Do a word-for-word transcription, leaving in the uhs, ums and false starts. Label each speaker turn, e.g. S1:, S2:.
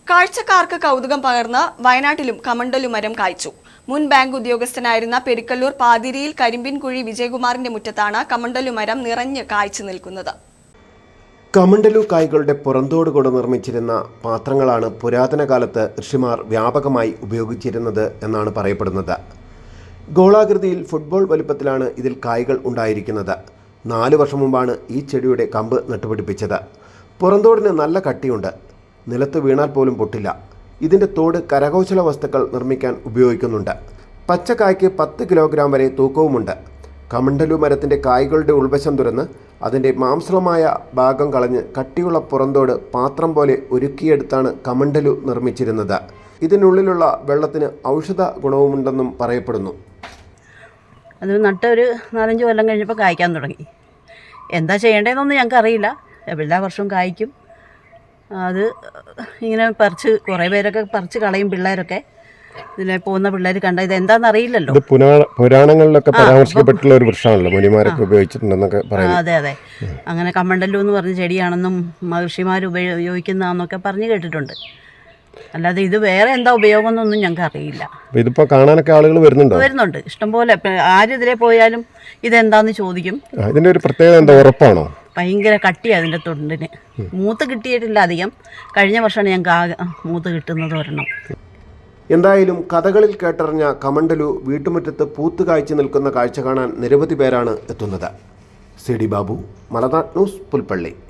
S1: കാഴ്ചക്കാർക്ക് കൗതുകം പകർന്ന് വയനാട്ടിലും കമണ്ടലു മരം കായ്ച്ചു. മുൻ ബാങ്ക് ഉദ്യോഗസ്ഥനായിരുന്ന പെരിക്കല്ലൂർ പാതിരിയിൽ കരിമ്പിൻകുഴി വിജയകുമാറിന്റെ മുറ്റത്താണ് കമണ്ടലു മരം നിറഞ്ഞ് കായ്ച്ചു നിൽക്കുന്നത്.
S2: കമണ്ടലു കായ്കളുടെ പുറന്തോട് കൊണ്ട് നിർമ്മിച്ചിരുന്ന പാത്രങ്ങളാണ് പുരാതന കാലത്ത് ഋഷിമാർ വ്യാപകമായി ഉപയോഗിച്ചിരുന്നത് എന്നാണ് പറയപ്പെടുന്നത്. ഗോളാകൃതിയിൽ ഫുട്ബോൾ വലുപ്പത്തിലാണ് ഇതിൽ കായ്കൾ ഉണ്ടായിരിക്കുന്നത്. നാല് വർഷം മുമ്പാണ് ഈ ചെടിയുടെ കമ്പ് നട്ടുപിടിപ്പിച്ചത്. പുറന്തോടിന് നല്ല കട്ടിയുണ്ട്. നിലത്ത് വീണാൽ പോലും പൊട്ടില്ല. ഇതിൻ്റെ തോട് കരകൗശല വസ്തുക്കൾ നിർമ്മിക്കാൻ ഉപയോഗിക്കുന്നുണ്ട്. പച്ചക്കായ്ക്ക് പത്ത് കിലോഗ്രാം വരെ തൂക്കവുമുണ്ട്. കമണ്ടലു മരത്തിൻ്റെ കായ്കളുടെ ഉൾവശം തുറന്ന് അതിൻ്റെ മാംസളമായ ഭാഗം കളഞ്ഞ് കട്ടിയുള്ള പുറന്തോട് പാത്രം പോലെ ഒരുക്കിയെടുത്താണ് കമണ്ടലു നിർമ്മിച്ചിരുന്നത്. ഇതിനുള്ളിലുള്ള വെള്ളത്തിന് ഔഷധ ഗുണവുമുണ്ടെന്നും പറയപ്പെടുന്നു.
S3: അത് നട്ട ഒരു നാലഞ്ച് കൊല്ലം കഴിഞ്ഞപ്പോൾ കായ്ക്കാൻ തുടങ്ങി. എന്താ ചെയ്യേണ്ടതെന്നൊന്നും ഞങ്ങൾക്ക് അറിയില്ല. എല്ലാ വർഷവും കായ്ക്കും. അത് ഇങ്ങനെ പറിച്ച് കുറേ പേരൊക്കെ പറിച്ച് കളയും. പിള്ളേരൊക്കെ ഇതിലെ പോകുന്ന പിള്ളേർ കണ്ട ഇത് എന്താണെന്ന് അറിയില്ലല്ലോ.
S2: പുരാണങ്ങളിലൊക്കെ പരാമർശിക്കപ്പെട്ടുള്ള ഒരു വൃക്ഷമാണല്ലോ, മുനിമാരൊക്കെ ഉപയോഗിച്ചിട്ടുണ്ടെന്നൊക്കെ പറയുന്നു.
S3: അതെ അതെ അങ്ങനെ കമണ്ടലു എന്ന് പറഞ്ഞ ചെടിയാണെന്നും മഹർഷിമാർ ഉപയോഗിക്കുന്നതാണെന്നൊക്കെ പറഞ്ഞ് കേട്ടിട്ടുണ്ട്. അല്ലാതെ ഇത് വേറെ എന്താ ഉപയോഗം എന്നൊന്നും ഞങ്ങൾക്ക് അറിയില്ല.
S2: ഇതിപ്പോൾ കാണാനൊക്കെ ആളുകൾ വരുന്നുണ്ടോ?
S3: വരുന്നുണ്ട് ഇഷ്ടംപോലെ. ആരിതിലെ പോയാലും ഇതെന്താന്ന് ചോദിക്കും.
S2: ഇതിൻ്റെ ഒരു പ്രത്യേകത എന്താ, ഉറപ്പാണോ?
S3: ഭയങ്കര കട്ടിയാണ് അതിൻ്റെ തൊണ്ടിന്. മൂത്ത് കിട്ടിയിട്ടില്ല അധികം. കഴിഞ്ഞ വർഷമാണ് ഞങ്ങൾക്ക് ആകെ മൂത്ത് കിട്ടുന്നത് ഒരെണ്ണം.
S2: എന്തായാലും കഥകളിൽ കേട്ടറിഞ്ഞ കമണ്ടലു വീട്ടുമുറ്റത്ത് പൂത്ത് കായ്ച്ചു നിൽക്കുന്ന കാഴ്ച കാണാൻ നിരവധി പേരാണ് എത്തുന്നത്. C D Babu, Malanad news, Pulpally.